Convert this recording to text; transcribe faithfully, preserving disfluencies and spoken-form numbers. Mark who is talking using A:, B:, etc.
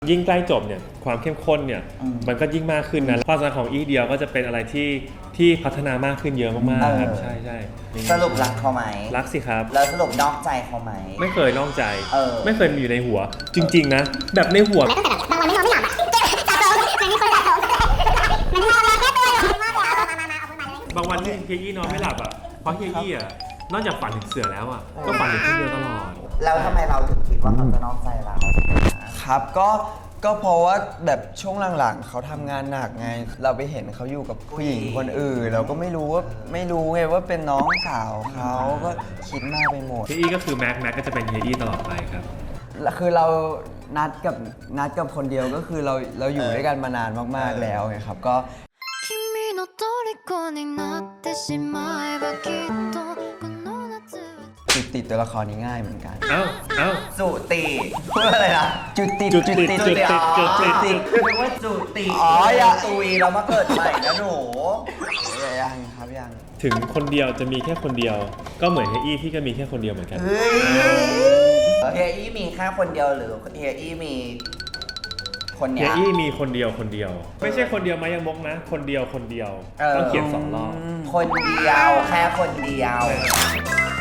A: ยิ่งใกล้จบเนี่ยความเข้มข้นเนี่ยมันก็ยิ่งมากขึ้นนะความสัมพันธ์ของอีเดียวก็จะเป็นอะไรที่ที่พัฒนามากขึ้นเยอะมากๆครับใช่ใช่
B: สรุปรักเขาไหม
A: รักสิครับ
B: แล้วสรุปนอกใจเขาไหม
A: ไม่เคยนอกใจ
B: เออ
A: ไม่เคยมีอยู่ในหัวจริงๆนะแบบในหัว
C: บางวันที่นอนไม่หลับอ่ะสะสมมันมีคนสะสมมันนอนแล้วแค่ตัวอยู่มากเลยเอามามามาเอาขึ้นมาเลย
A: บางวันที่เฮียอี้นอนไม่หลับอ่ะเพราะเฮียอี้อ่ะนอกจากฝันถึงเสือแล้วอ่ะก็ฝันถึงคนเดียวตลอด
B: แล้วทำไมเราถึงคิดว่าเขาจะนอกใจเรา
D: ครับก็ก็เพราะว่าแบบช่วงหลังๆเขาทำงานหนักไงเราไปเห็นเขาอยู่กับผู้หญิงคนอื่นเราก็ไม่รู้ว่าไม่รู้ไงว่าเป็นน้องสาวเขาก็คิดมากไปหมด
A: เฮียอี้ก็คือแม็กแม็กก็จะเป็นเฮียอี้ตลอดไปครับ
D: คือเรานัดกับนัดกับคนเดียวก็คือเราเราอยู่ด้วยกันมานานมากๆแล้วไงครับก็จุติตัวละครนี้ง่ายเหมือนกัน
A: เอ้าเอ้า
B: จุติพูดอะไรนะ
D: จุติ
A: จุติจุติจุติ
B: จุติคือว่าจุติอ๋ออย่าตุยเรามาเกิดใหม่นะหนู
D: ยังครับยัง
A: ถึงคนเดียวจะมีแค่คนเดียวก็เหมือนเฮียอี้ที่ก็มีแค่คนเดียวเหมือนกัน
B: เฮียอี้มีแค่คนเดียวหรือเฮียอี้มีคนเนี้ย
A: เฮียอี้มีคนเดียวคนเดียวไม่ใช่คนเดียวมายังมกนะคนเดียวคนเดียวต้องเขียนสองรอบ
B: คนเดียวแค่คนเดียว